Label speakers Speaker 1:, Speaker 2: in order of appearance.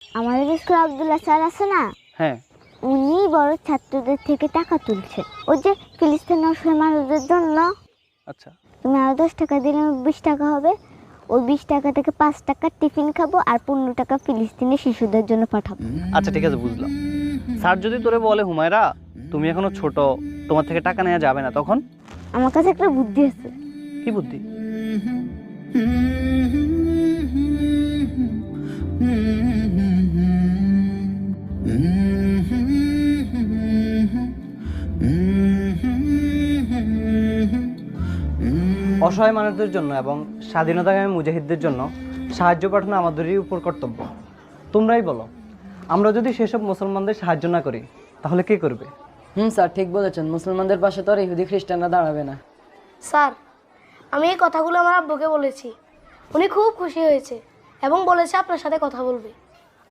Speaker 1: আমাদের স্কুলে আব্দুল্লাহ স্যার আছে না,
Speaker 2: হ্যাঁ,
Speaker 1: উনি বড় ছাত্রদের থেকে টাকা তুলছে ওই যে ফিলিস্তিনের অসহায় মানুষদের জন্য।
Speaker 2: আচ্ছা
Speaker 1: তুমি আরো 10 টাকা দিলে 20 টাকা হবে। ওই 20 টাকা থেকে 5 টাকা টিফিন খাবো আর 15 টাকা ফিলিস্তিনের শিশুদের জন্য পাঠাবো।
Speaker 2: আচ্ছা ঠিক আছে, বুঝলাম। স্যার যদি তোরে বলে হুমায়রা তুমি এখনো ছোট, তোমার থেকে টাকা নেওয়া যাবে না, তখন?
Speaker 1: আমার কাছে একটা বুদ্ধি আছে।
Speaker 2: কি বুদ্ধি? অসহায় মানুষদের জন্য এবং স্বাধীনতাকামী মুজাহিদদের জন্য সাহায্য পাঠানো আমাদেরই উপর কর্তব্য। তোমরাই বলো, আমরা যদি সেসব মুসলমানদের সাহায্য না করি তাহলে কে করবে?
Speaker 3: স্যার ঠিক বলেছেন, মুসলমানদের পাশে তো আর ইহুদি খ্রিস্টানরা দাঁড়াবে না।
Speaker 4: স্যার, আমি এই কথাগুলো আমার আব্বুকে বলেছি, উনি খুব খুশি হয়েছে এবং বলেছে আপনার সাথে কথা বলবে।